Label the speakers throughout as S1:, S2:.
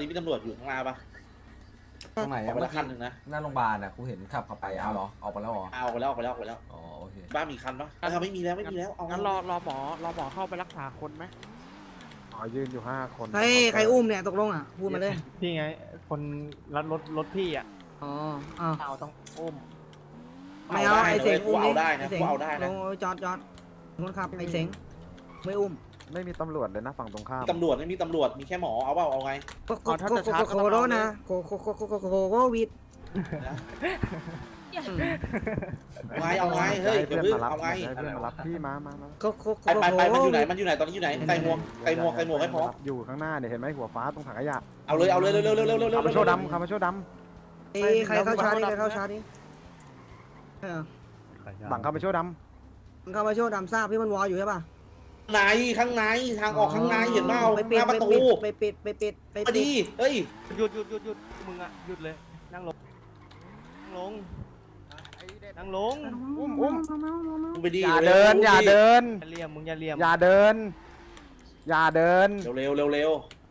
S1: นี้มีตำรวจอยู่ข้างหน้าปะ
S2: ตรงไหน
S1: ออกไปละคันหนึ่งนะ
S2: หน้าโรงพยาบาลอ่ะกูเห็นขับเข้าไปเอาเหรอออกไปแล้วเหรอ
S1: เอาไปแล้วออกไปแล้วออกไปแล้ว
S2: อ๋อโอเค
S1: บ้านมีคันปะไม่มีแล้วไม่มีแล้วเอา
S3: งั้นรอหมอเข้าไปรักษาคนไหม
S4: อ๋อยืนอยู่5 คน
S5: ใครอุ้มเนี่ยตกลงอ่ะพูดมาเลย
S6: พี่ไงคนรถพี่อ่ะ
S5: อ๋ออ้าว
S6: เอาต้องอุ้ม
S5: ไม่เอาไอ้เสงอุ้ม
S1: เอา
S5: ดิ
S1: ได้
S5: ไอ้
S1: นะ
S5: เสง
S1: กูเอาได้
S5: ล
S1: นะ
S5: งจอดคนขับไอ้เสงไม่อุ้ม
S4: ไม่มีตำรวจเลยนะฝั่งตรงข้าม
S1: ตำรวจไม่มีตำรวจมีแค่หมอเอาเปล่าเอาไง
S5: โคโรนะโควิด
S1: ไงเอาไงเฮ้ย
S4: ให้
S1: เดี๋ยว
S4: เพื่
S1: พึ่
S4: อน
S1: ง
S4: มารับ
S1: เอาไง
S4: ให้เพื่อนมารับพี่มา
S1: ไปมันอยู่ไหนมันอยู่ไหนตอนนี้อยู่ไหนใส่หมวกให้พร้อม
S4: อยู่ข้างหน้าเนี่ยเห็นไหมหัวฟ้าตรงถังขยะ
S1: เอาเลยเร็วเร็ว
S4: คามาโชว์ดำคามาโชว์ด
S5: ใครเข้าชาร์จใครเข้าชาร์จดิ
S4: ำบังคามาโชว์ด
S5: เข้ามาโชว์ดำทราบพี่มันวออยู่ใช่ป่ะ
S1: ไหนข้างในทางออกข้างในเห็นเปล่า
S5: ไป
S1: ห
S5: ปิด
S1: น้าประตู
S5: ไปปิด
S1: พอดีเฮ้ย
S6: หยุดมึงอ่ะหยุดเลยนั่งลงอุ้ม
S1: มึงไปดี
S4: ำอย่าเดิน
S6: อย่าเลี่ยมมึงอย่าเลี่ยม
S4: อย่าเดิน
S1: เร็ว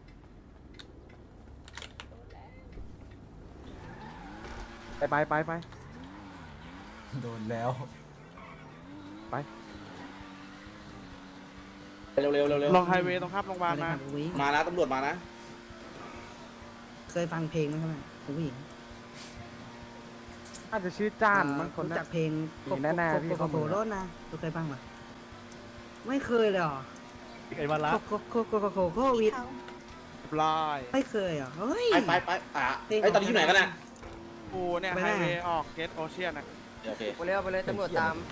S4: ไป
S2: โดนแล้ว
S3: ลองไฮเวย์ตรงข้ามโรงพยาบาลมา
S1: มานะตำรวจมานะ
S5: เคยฟังเพลงไหมครับผู้หญิง
S4: น่าจะชื่อจ้านมั้งคน
S5: รู้
S4: นั้
S5: จัก
S4: น
S5: เพลง
S4: มีแน่ๆพี่เขา
S5: โคโรนะtuเคยฟังป่ะไม่เคยเลยเหรอ
S6: ไอ้วันละ
S5: โควิด
S3: ลาย
S5: ไม่เคยเหรอเฮ้ย
S1: ไปไอ้ตอนนี้อยู่ไหนกันน่ะ
S3: กูเนี่ย
S5: ไป
S3: ไฮ
S5: ไหน
S3: เวย์ออกเกตโอเชียนอ่ะ
S1: โอเค
S7: ไปเลยตำรวจตาม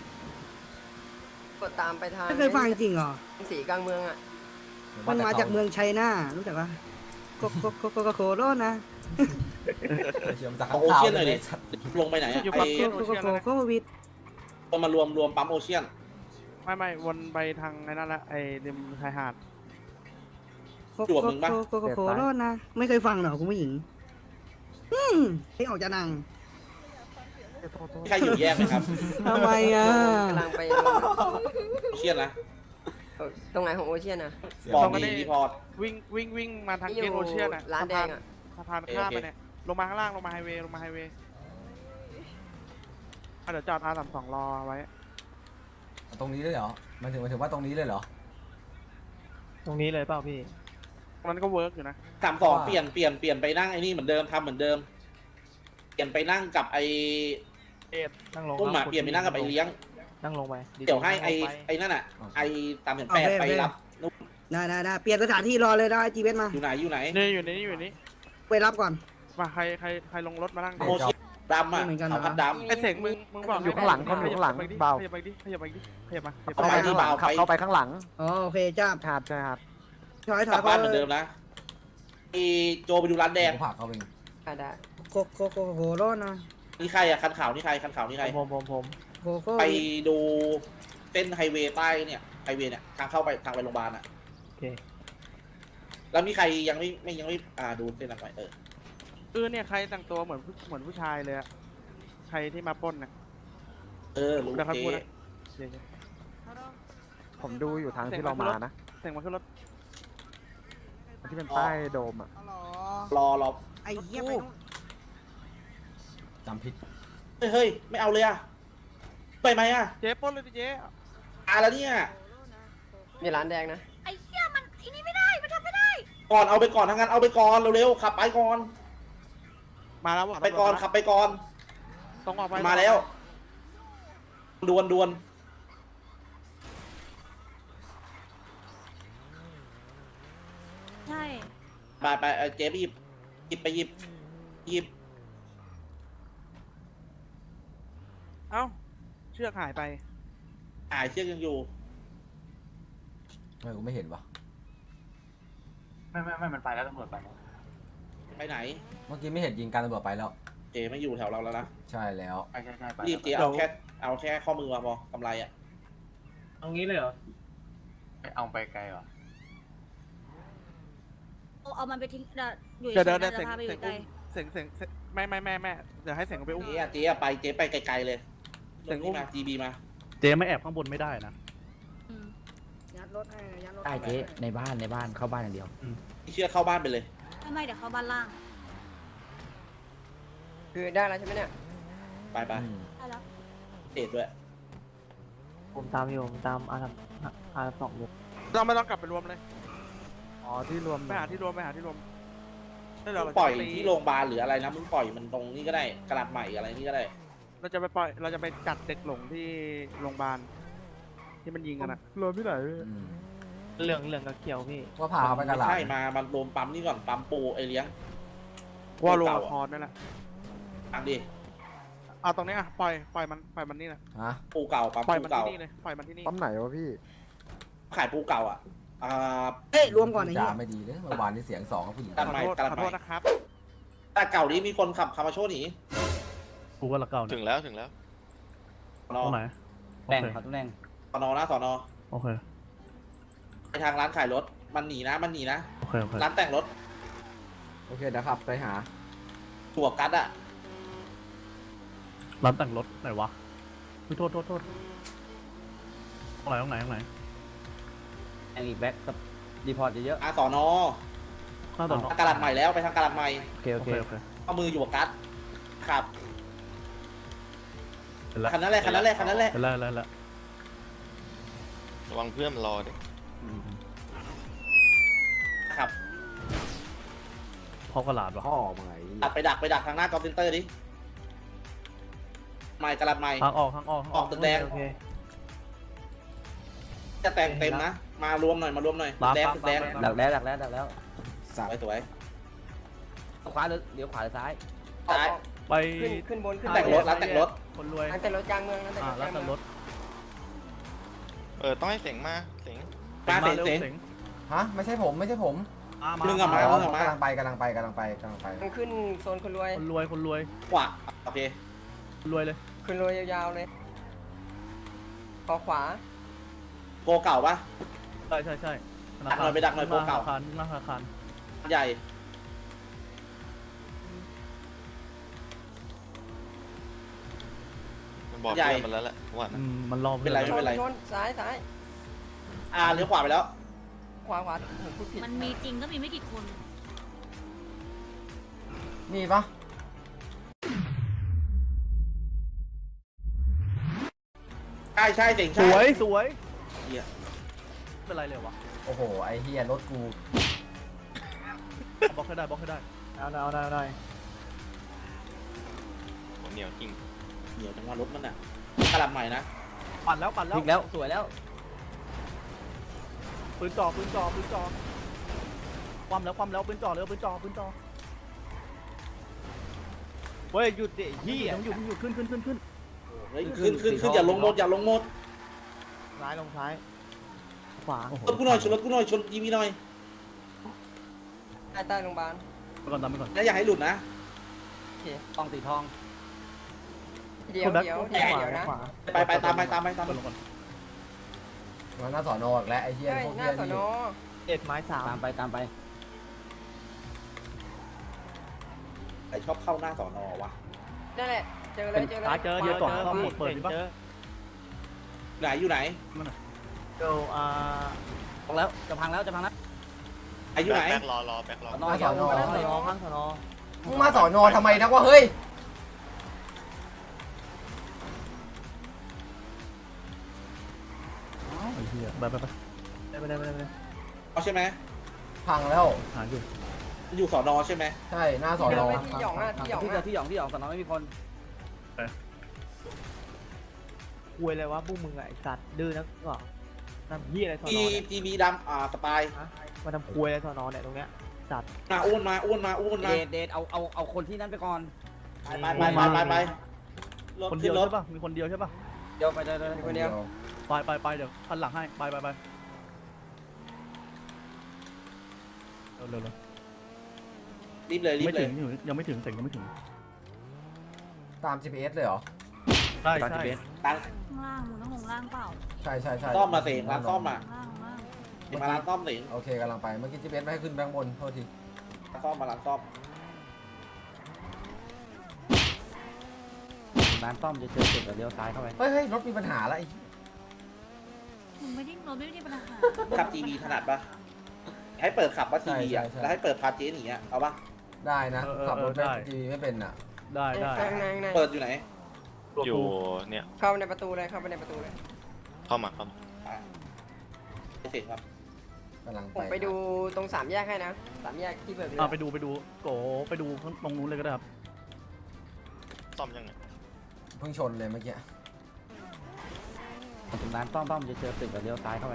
S7: ไปทาง
S5: ไม่เคยฟังจริงเหรอ
S7: สีกลางเมืองอ่ะ
S5: มันมาจากเมืองชัยนารู้จักปะโคโรนะ
S2: เชื่อมจาก
S1: เอาโอเชียนหน่อยดิลงไปไหนอะ
S3: อยู่
S1: ไอ้
S3: ฝั่งเกตโอเชียนนะ
S5: โควิด
S1: มารวมปั๊มโอเชียน
S3: ไม่วนไปทางไอ้นั่นละไอ้ริมชายหาด
S5: โคโรนะไม่เคยฟังเหรอคุณผู้หญิงเพลงออกจากหนัง
S1: ใครอยู่แยกไหมครับ
S5: ทำไมอ่ะ
S7: กำลังไป
S1: โอเชียนนะ
S7: ตรงไหนของโอเชียนอ่ะ
S1: บอกดีรีพอร์ต
S3: วิ่งมาทาง
S7: ที่
S3: เก
S7: อ
S3: ต
S7: ยู่
S3: โอเชียนอ่ะ
S7: ร้านแดงอ่ะ
S3: สะพานข้ามไปเนี่ยลงมาข้างล่างลงมาไฮเวย์เดี๋ยวจอดR32รอไว้
S2: ตรงนี้เลยเหรอมันถึงว่าตรงนี้เลยเหรอ
S6: ตรงนี้เลยเปล่าพี่
S3: มันก็เวิร์กอยู่นะ
S1: 32เปลี่ยนไปนั่งไอ้นี่เหมือนเดิมทำเหมือนเดิม เปลี่ยนไปนั่งกับไอ้
S6: นั่งลง
S1: ตุ้มอะเปลี่ยนไปนั่งกับไอ้เลี้ยง
S6: นั่งลงไป
S1: เดี๋ยวให้ไอ้นั่นอะไอ้308ไปรับ
S5: ได้เปลี่ยนสถานที่รอเลยได้จีเวสมา
S1: อยู่ไหน
S3: นี่อยู่นี่
S5: ไปรับก่อน
S3: มาใครลงรถมานั่ง
S1: โอเชียนดำอะ
S5: เหมือนกันเหรอ
S1: ขาวพัดดำ
S3: ไอ้เสงมึงบอก
S4: อยู่ข้างหลังคนอยู่ข้างหลังเบา
S3: ขยับไปดิขยับมา
S4: เข้าไปข้างหลังเข้าไปข้างหลัง
S5: อ๋อโอเคจ้า
S4: หาดใช่หาด
S5: ถอย
S1: กลับบ้านเหมือนเดิมนะไอ้โจไปดูร้านแดง
S2: กูผักเขาเอง
S7: ได้
S5: โคโรนะ
S1: นี่ใครอะคันขาวนี่ใครคันขาวนี่ใคร
S6: ผม
S5: โค
S1: ไป
S5: วิด
S1: ดูเส้นไฮเวย์ใต้เนี่ยไฮเวย์เนี่ยทางเข้าไปทางไปโรงพยาบาลอะ
S6: โอเค
S1: แล้วมีใครยังไม่ดูเส้นอะไร
S3: เนี่ยใครแต่งตัวเหมือนผู้ชายเลยอะใครที่มาปล้นนะ
S1: รู้
S3: เดี๋ยวเขา
S1: เจ๊
S3: พูดนะ
S4: ผมดูอยู่ทางที่เรามานะ
S3: เสงมาขึ้นรถ
S4: ที่เป็นใต้โดมอ่ะ
S1: รอ
S5: ไอ้เหี้ยไป
S2: จำผิด
S1: เฮ้ยไม่เอาเลยอะไปไหมอะ
S3: เจ๊ปล้นเลยดิเจ๊
S1: แล้วเนี่ย
S7: มีร้านแดงนะ
S8: ไอ้เหี้ยมันไอ้นี่ไม่ได้ มันทำไม่ได้
S1: ก่อนเอาไปก่อนทางนั้นเอาไปก่อนเร็วๆขับไปก่อน
S3: มาแล้ว
S1: ไปก่อนขับไปก่อน
S3: ต้องออกไป
S1: มาแล้วดวน
S8: ใช่
S1: ไปเจ๊ไปหยิบ
S3: เอ้าเชือกหายไป
S1: เชือกยังอยู่
S2: ทำไมกูไม่เห็นวะ
S6: ไม่มันไปแล้วตำรวจไปแล้ว
S1: ไปไหน
S2: เมื่อกี้ไม่เห็นยิงการตำรวจไปแล้ว
S1: เจ๊ไม่อยู่แถวเราแล้วนะ
S2: ใช่แล้ว
S6: ใช่ไป
S1: รีบเจ๊เอาแค่ข้อมือมาพอกำไรอะ
S6: ตรงนี้เลยเหรอเอาไปไกลเหรอ
S8: เอามันไปทิ้งอยู่
S3: เดี๋ยว
S8: ใน
S3: เสง
S8: พาไปอยู่ไกล
S3: เสงไม่เดี๋ยวให้เสงไปอุ้ม
S1: เจ๊ไปไกลๆเลย
S3: เสียงอุ้ม
S1: มา GB มา
S6: เจ๊ไม่แอบข้างบนไม่ได้นะ
S8: อืม
S5: ยัดรถให้ยัดรถ
S9: ได้เจ๊ในบ้านเข้าบ้านอย่างเดียว
S1: เชือกเข้าบ้านไปเลย
S8: ใช่ไม่เดี๋ยวเข้าบ้านล่าง
S7: คือได้แล้วใช่ไหมเนี่ย
S1: ไปไป
S8: ได้แล้ว
S1: เอ็ดด้วย
S9: ผมตามอยู่ผมตามอาร์สองอยู่
S3: เราไม่ต้องกลับไปรวมเลย
S4: อ๋อที่รวม
S3: ไปหาที่รวมได้เรา
S1: ปล่อยที่โรงพยาบาลหรืออะไรนะมึงปล่อยมันตรงนี้ก็ได้กระดาษใหม่อะไรนี่ก็ได้
S3: เราจะไปจัดเด็กหลงที่โรงพยาบาลที่มันยิงกันอะ
S4: รวมที่ไหน
S9: เหลืองกับเขียวพี่
S2: ว่าพาเขาไปกระหลาด
S1: ใช่มันรวมปั๊มนี่ก่อนปั๊มปูไอเลี้ยง
S3: ว่าโรงละครนั่นแหละ
S1: ฟังดิ
S3: เอาตรงนี้อะปล่อยมันนี่แหละ
S2: ฮะ
S1: ปูเก่าปั๊ม
S3: ปล่อย
S1: ปู
S3: มัน
S1: เก่า
S3: ที่นี่เลยปล่อยมันที่นี่
S4: ปั๊มไหนวะพี่
S1: ขายปูเก่าอ่ะ
S5: เฮ้ยรวมก่อนไอ้
S2: จ่า
S5: เหี้ย
S2: ไม่ดีเลยเมื่อวานนี้เสียงสองกับผู้หญิง
S1: ตัดใหม่
S3: ขอโทษ
S1: ตัด
S3: ขอ
S1: ให
S3: โท
S1: ม่
S3: ษนะครับ
S1: แต่เก่านี้มีคนขับคามาโชหนี
S9: กูว่าละเก่า
S6: ถึงแล้วถึงแล้ว
S1: สอนอ
S9: ตรงไหน
S10: แบ่งครับทุกแบ่ง
S1: สอนอนะสอนอ
S9: โอเค
S1: ไปทางร้านขายรถมันหนีนะมันหนีนะ
S9: โอเค
S1: ร้านแต่งรถ
S2: โอเคเดี๋ยวขับไปหา
S1: ตัวกัดอ่ะ
S9: ร้านแต่งรถไหนวะโทษตรงไหน
S10: แบ่งอีกแบ็คกับรีพอร์ตเยอะ
S1: สอนอ
S9: ข้าวต่อ
S1: ทางกระดาษใหม่แล้วไปทางกระดาษใหม่
S10: ๆโอเค
S9: โอ
S10: โอ
S9: เค
S10: เค
S1: เอามืออยู่กับกัดขับ
S9: เห็นแล้ว
S1: คันนั้นแหละคันนั้นแหละคันนั้นแหละ
S9: เห็นแล้ว
S6: ระวังเพื่อนมันรอดิ
S1: ขับ
S9: พ่อกระหลาดวะ
S2: พ่อมึงไง
S1: ดักไปดักทางหน้ากอล์ฟเซ็นเตอร์ดิใหม่กระดาษใหม่
S9: ทางออก
S1: ออกตึกแดง
S9: โอเค
S1: จะแต่งเต็มนะมารวมหน่อยตึกแดงตึกแดง
S10: ดักแล้ว
S1: สวยสวย
S10: ขวาหรือเดี๋ยวขวาหรือซ้าย
S1: ซ้าย
S9: ไป
S7: ขึ้นบนขึ้น
S1: แต่งรถร้านแต่งรถ
S9: คนรวย
S7: ร้านแต่งรถกลางเมืองร้านแต่งรถก
S9: ร้า
S7: ลาน ง
S9: แต่ง
S7: เมื
S9: ร
S7: อง
S9: ถ
S6: ต้องให้เสียงมาเสียง
S1: มาเสียง
S9: เสียง
S2: ฮะไม่ใช่ผม
S1: มึงอะมา
S2: อ๋
S1: มึง
S2: อ
S1: อะมาก
S2: ำลังไปกำลังไป
S7: มันขึ้นโซนคนรวย
S9: คนรวย
S1: ขวาโอเค
S9: เลย
S7: คนรวยยาวๆเลยขอขวา
S1: โกเก่าปะ
S9: ใช่
S1: ดักหน่อยไปดักหน่อยพวกเก่า
S9: ธนาคาร
S1: ใหญ่
S6: มันบอกเพื่อนมันแล้วแหละว่านะ
S9: มันรอ
S1: เป็นไร
S7: ชนชนซ้ายซ้าย
S1: เลี้ยวขวาไปแล้ว
S7: ขวาผมพูดผิด
S8: มันมีจริงก็มีไม่กี่คน
S2: นี่ปะ
S1: ใช่เสียง
S9: ส
S1: ใช่
S9: วย
S1: เหี้ย
S9: เป็นไรเลยวะ
S2: โอ้โหไอ้เฮียรถกู
S9: บล็อกให้ได้
S10: เอาได้
S6: เหนียวจริง
S1: เดี๋ยวจังหวะรถมันอ่ะกระดาษใหม่นะ
S9: ปั่นแล้ว
S10: พลิกแล้วสวยแล้ว
S9: ปืนจ่อความแล้วปืนจ่อเฮ้ยหยุดดิเฮียหยุดขึ้น
S1: เฮ้ยขึ้นอย่าลงหมด
S9: ซ้ายลงซ้ายขวา
S1: ชนกูหน่อยชนยีมีหน่อย
S7: ใต้โรงพยาบาล
S9: ไปก่อน
S1: นะอย่าให้หลุดนะ
S10: ต้องตีทอง
S7: เดี๋ยวนะ
S1: ไปตามไป
S9: ลงก่อน
S2: มันหน้าสอนออีกแล้วไอ้เฮีย
S7: ใช่
S2: พวก
S7: ห
S2: เฮี
S7: น้าย สอน
S2: นี่
S7: อ
S9: เอ็ดไม้3
S10: ตามไป
S1: ใครชอบเข้าหน้าสอนอวะ
S7: นั่นแหละเจอเลย
S9: เจอก่อนซ่อมหมดเปิดดิปะ
S1: ไหนอยู่ไหน
S9: เดี๋ยว
S10: พังแล้วจะพังแล้ว
S1: ไอ้อยู่ไหน
S6: แบ็ครอแบ็ครอ
S10: นอนเดียวพังสนอ
S2: มึงมาสอนอทำไมนะวะเฮ้ย
S9: ไอ้เหี้ยไป
S1: เอาใช่ไหม
S2: พังแล้ว
S9: หาอยู่
S1: อยู่สอนอใช่ไหม
S2: ใช่หน้าสอน
S7: เจอ
S2: อ
S7: ไปที่หยองอ่ะที่หยอง
S10: ที่
S7: อ่ะ
S10: หยองสนอไม่มีคน
S9: คุยเลยวะพวกมึงไอ้สัตว์ดื้อนักก็ทำเหี้ยอะไรสอนอ
S1: ทีบีดำสปาย
S9: มาทำคุยอะไรสอนอเนี่ยตรงเนี้ยสัตว์
S1: มาอ้วนมา
S10: เดทเอาคนที่นั่นไปก่อน
S1: ไปรถ
S9: คนเดี
S1: ขึ้
S9: ยวน
S1: รถ
S9: ใช่ป่ะมีคนเดียวใช่ป่ะ
S10: เดี๋ยวไปเลย
S7: คนเดียว
S9: ไปเดี๋ยวคันหลังให้ไปเร็ว
S1: รีบเลย
S9: ไม่ถึงยังไม่ถึงเสร็จยังไม่ถึง
S2: ตาม GPS เลยเหรอ
S9: ใช่
S1: ตัง
S8: ข้างล่างมึงต้องลงล่างเปล่า
S2: ใช่
S1: ซ่อมมาเสียงร้านซ่อมมา
S8: ข้างล่าง
S1: มาร้านซ่อมเสียง
S2: โอเคกำลังไป เมื่อกี้ GPS ไม่ให้ขึ้นแบงค์บน โทษที
S1: ซ่อมมาร้านซ่อม
S10: ร้านซ่อมจะเจอจุดเลี้ยวซ้ายเข้าไป
S2: เฮ้ยรถมีปัญหาแล้วไอ้
S8: มึงไม่ได้เราไม่ได้ปัญหา
S1: ขับจีบีถนัดปะให้เปิดขับว่าทีวีอ่ะแล้วให้เปิดพาเจหนีอ่ะเอาปะ
S2: ได้นะ
S9: เออ
S2: ขับรถ
S9: ได้
S2: ไม่ดีไม่เป็นอ่ะ
S9: ได้ได้
S7: ข้างในข้างใน
S1: เปิดอยู่ไหน
S11: อยู่เนี่ย
S7: เข้าในประตูเลยเข้าไปในประตูเลย
S11: เข้ามาเข้ามา
S1: โอเคครับ
S2: กำลัง
S7: ผมไปดูตรง3 แยกให้นะ3 แยกที่เบิกเรือ
S3: ไปดูโกไปดูข้างตรงนู้นเลยก็ได้ครับ
S11: ซ่อมยังไง
S2: เพิ่งชนเลยเมื่อกี้
S10: ถึงร้านป้อมจะเจอตึกกับเลี้ยวซ้ายเข้าไป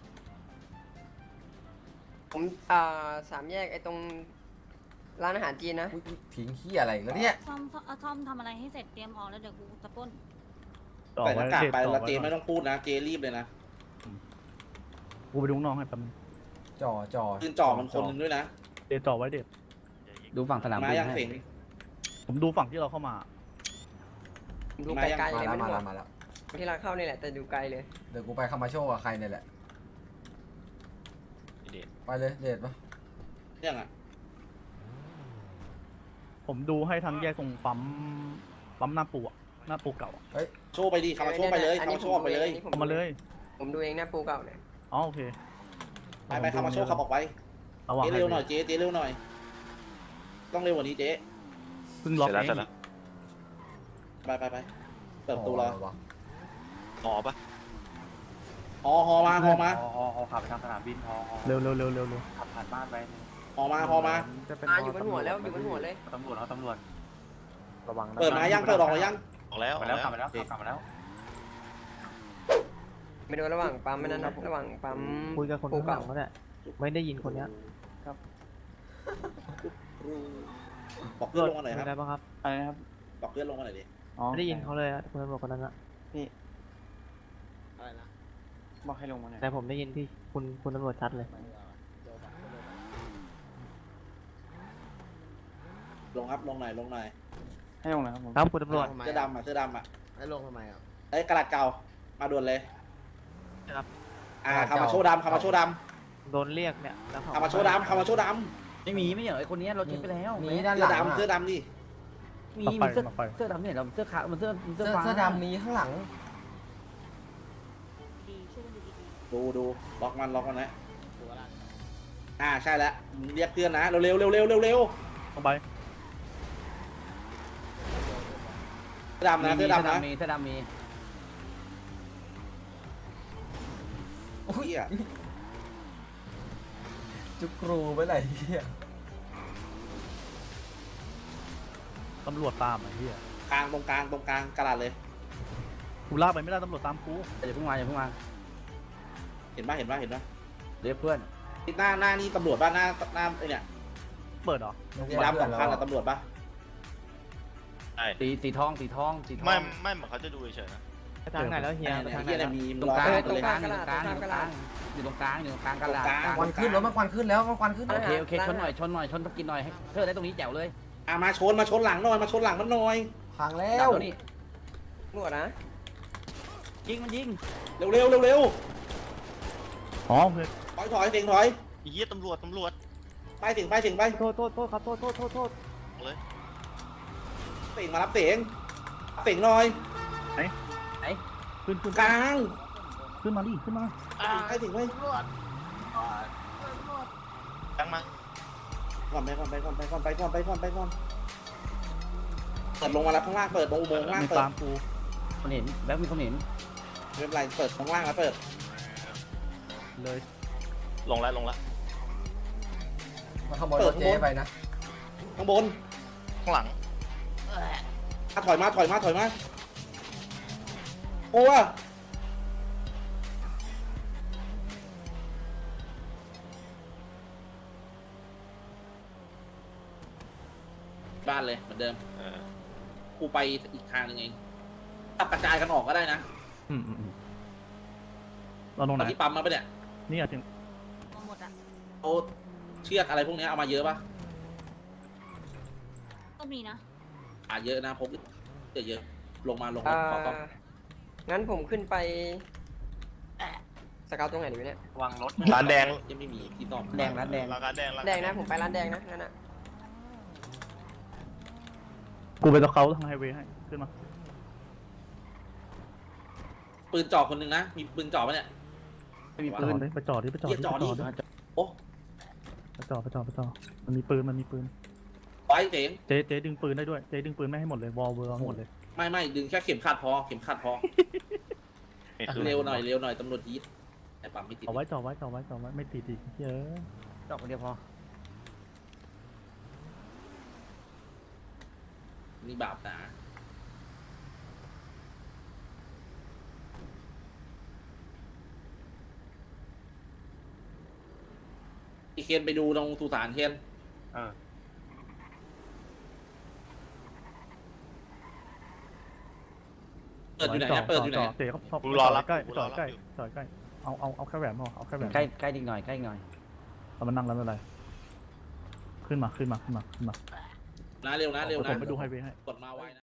S7: ผม3 แยกไอ้ตรงร้านอาหารจีนนะ
S2: อุ๊ยทิ้งขี้อะไรอีกแล้วเนี่ย
S8: ซ่อมทำอะไรให้เสร็จเตรียมออกแล้วเดี๋ยวกูจะปล้น
S3: ต่อ
S1: ใส่ห
S3: ไว้
S1: น้ากาก
S3: เด็ด
S1: ไป
S3: ต่อ
S1: แล้ว
S3: ไว้
S1: เจไม่ต้องพูดนะเจรีบเลยนะ
S3: กูไปดูน้องให้แป๊บนึง
S2: จ่อ
S1: ปืนจ่อมันคนหนึงด้วยนะ
S3: เด็ดต่อไว้เด็ด
S10: ดูฝั่งสนาม
S1: มา
S10: บิน
S1: ยัง
S10: ให้
S1: เสง
S3: ผมดูฝั่งที่เราเข้ามา
S7: ดูไกลๆ
S2: มา
S7: เลย
S2: แล้ว
S7: ไม่
S2: มา
S7: หม
S2: แล้ว
S7: ด
S2: มาแล้ว
S7: ที่ร้านเข้านี่แหละแต่ดูไกลเลย
S2: เดี๋ยวกูไปคามาโชว์กับใครเนี่ยแหละ
S11: เด็ด
S2: ไปเลยเดทปะ
S1: เรื่องอ่ะ
S3: ผมดูให้ทั้งแยกตรงปั๊มหน้าปูอะหน้าปูเก่าอะ
S1: โชว์ไปดิคามาโชว์ไปเลยคามาโชว์ออกไปเลย
S3: เอามาเลย
S7: ผมดูเองนะปูเก่าเนี่ย
S3: อ๋อโอเค
S1: ไปคามาโชว์ขับออกไป
S3: ระวัง
S1: เจเร็วหน่อยเจเร็วหน่อย ต้องเร็วกว่านี้เจ
S3: เพิ่งล็อก
S11: เสร็จ
S3: เอ
S11: แล้ว
S3: ง
S11: เสร็จแล้ว
S1: ไปเปิดประตูรอ
S2: ะไวะ
S11: หอปะ
S1: ฮอมา
S6: ขับไปทางสนามบินฮอ
S3: เร็วเร็วเร็วเร็ว
S6: ขับผ่านบ้านไป
S1: ฮอมา
S4: จะเป็น
S7: อยู่บนหัวแล้วอยู่บนหัวเลย
S6: ตำรวจเขาตำรวจ
S4: ระวังนะ
S1: เปิดมายังเปิดออกมายัง
S11: ออกแล้ว
S6: มาแล้วกลับมาแล้วกลับมาแล้ว
S7: ไม่ดูระหว่างปั๊มไม่นั้นนะระหว่างปั๊ม
S9: คุยกับคน
S7: ปู
S9: ข้างหลั
S7: เก่าง
S9: ก็ได้ไม่ได้ยินคนเนี้ย
S1: บอกเพื่อนลงมาหน่อยครับ
S9: ได้ปะครับ
S6: อะไรนะครับ
S1: บอกเพื่อนลงมาหน่อยดิ
S9: ไม่ได้ยินเขาเลยอะคนตำรวจคนนั้นอะ
S6: บอกให้ลงมาหน่อย
S9: แต่ผมได้ยินที่คุณตำรวจชัดเลย
S1: ลงครับลงหน่อย
S6: ให้ลงนะครับผม
S9: ครับคุณตำรวจ
S1: เสื้อดำอ่ะ
S4: ให้ลงทำไมอ่ะ
S1: ไอ้กระดาษเก่ามาด่วนเลย
S9: ครับ
S1: คามาโชว์ดำคามาโชว์ด
S9: โดนเรียกเนี่ยแล้วเขา
S1: ำคามาโชว์ดำคามาโชว์ด
S10: ไม่มีไม่เหรอไอคนนี้เราเช็คไปแล้ว
S2: มี
S1: ำ
S2: ด้านห
S1: เสื้อ
S2: ลัง
S1: ดำ
S2: อะ
S1: เสื้อดำดิ
S10: มี
S3: มาไป
S10: เสื้อ
S3: มาไป
S10: เสื้อดำเนี่ยเราเสื้อขาวมันเสื้อ
S2: เสื้อ
S10: ฟ้า
S2: เสื้อดำมีข้างหลัง
S8: ดีช่วยกันดูดี
S1: ดูล็อกมันนะใช่แล้วเรียกเพื่อนนะเร็ว
S3: เข้าไป
S1: เสื้อดำนะเสื้อดำนะ
S10: มีเสื้อดำมี
S1: โอ้ย
S2: จุกรูไปไหนเหี้ย
S3: ตำรวจตามไอ้เหี้ย
S1: ตรงกลางกระดาษเลย
S3: กูลากไปไม่ได้ตำรวจตามกู
S10: อย่าเพิ่งมาอย่าเพิ่งมา
S1: เห็นปะ
S10: เรียกเพื่อน
S1: หน้านี่ตำรวจป่ะหน้าไอเนี่ย
S3: เปิดเหรอ
S1: สีดำสำคัญอะตำรวจป่ะ
S11: ใช่
S10: สีทอง
S11: ไม่เหมือนเขาจะดูเฉยๆนะ
S9: ไปทางไหนแล้วเฮียไปทางไหน
S1: ที่อะไร
S9: แล้ว
S1: มี
S10: ตรงกลาง
S1: รอ
S10: ตรง
S1: เลย
S10: กลางอยู่ตรงกลางอยู่ตรงกลางกระดาษ
S2: ควันขึ้นแล้วมันควันขึ้นแล้วมันควันขึ้น
S10: โอเคชนหน่อยชนตะกินหน่อยให้เธอได้ตรงนี้แจ๋วเลย
S1: มาชนหลังหน่อยมันหน่อย
S2: พังแล้
S10: ดั
S2: ว
S10: บนี่
S7: หนวดนะ
S10: ยิงมันยิง
S1: เร็ว
S3: อ๋อโอเค
S1: ถอยเสียงถอย
S11: ไอ้เหี้ยตำรวจ
S1: ไปเสียงไป
S9: โทษครับโทษ
S11: เลย
S1: เสียงมารับเสียงหน่อย
S3: ขึ้น
S1: กลาง
S3: ขึ้นมาดิขึ้นมา
S1: ไปเสียงไป
S11: ตั้งมา
S1: ก่อนไปก่อนเปิดลงมาแล้วข้างล่างเปิดอุโมงค์ข้างล่าง
S3: ไม่
S1: เปิด
S3: ตามกู
S10: คนเห็นแบ็คมีคนเห็น
S1: ไม่เป็นไรเปิดข้างล่างแล้วเปิด
S3: เลย
S11: ลงแล้ว
S2: มาขโมยรถเจ๊ไปนะ
S1: ข้างบน
S11: ข้างหลัง
S1: ถอยมาโอ้ว่ะบ้านเลยเหมือนเดิม กูไปอีกทางหนึงเองตัดกระจายกันออกก็ได้นะ
S3: เราลงไห
S1: ตอน
S3: น
S1: ที่ปั๊มมาปะเนี่ย
S3: นี่อะถึง
S8: ๆมาหมดอ่ะ
S1: เอาเชือกอะไรพวกนี้เอามาเยอะปะ
S8: ก็มีนะ
S1: เยอะนะพกเยอะลงมาขอ
S7: งั้นผมขึ้นไปสเกาตรงไหนดีวะเนี่ยว
S6: างรถ
S11: ร้านแดง
S1: ยังไม่มีที่ซ่อม
S10: แดงร้านแดง
S11: ร้านแดง
S7: แดงนะผมไปร้านแดงนะงั้นอะ
S3: กูไปตะเขาทางไฮเวย์ให้ขึ้นมา
S1: ปืนจ่อคนหนึ่งนะมีปืนจ่อปะเนี่ย
S10: ไม่มีปืน
S3: ไปจอดดิ
S1: โอ้
S9: ไปต่อมันมีปืน
S1: ไว้เจ๋ง
S9: เจ๊ดึงปืนได้ด้วยเจ๊ดึงปืนไม่ให้หมดเลยวอลเวอร์หมดเลย
S1: ไม่ดึงแค่เข็มขัดพอเร็วหน่อยตำรวจยีดแต่ปั๊มไม่ติด
S9: เอาไว้จ่อไว้ไม่ตีดีเยอะ
S10: จอกคนเดียวพอ
S1: นี่บาปหนาอีเคนไปดูตรงสุสานเคน
S6: อ่า
S1: เปิดอยู่ไหนนะเปิดอยู่ไหน
S9: เตะเขาชอบ
S11: กูรอรับ
S9: ใกล้
S11: กูร
S9: จ่
S11: อ
S9: อ
S11: รับ
S9: ใกล้
S11: อยู่
S9: จ่อใกล้เอาแค่แหวนพอเอาแค่แหวน
S10: ใกล้อีกหน่อยใกล้อีกหน่อย
S9: เอามันนั่งแล้วไม่เป็นไรขึ้นมา
S1: นะเร็ว
S9: ผมไปดูไฮเวย์ให้
S1: กดมาไว้นะ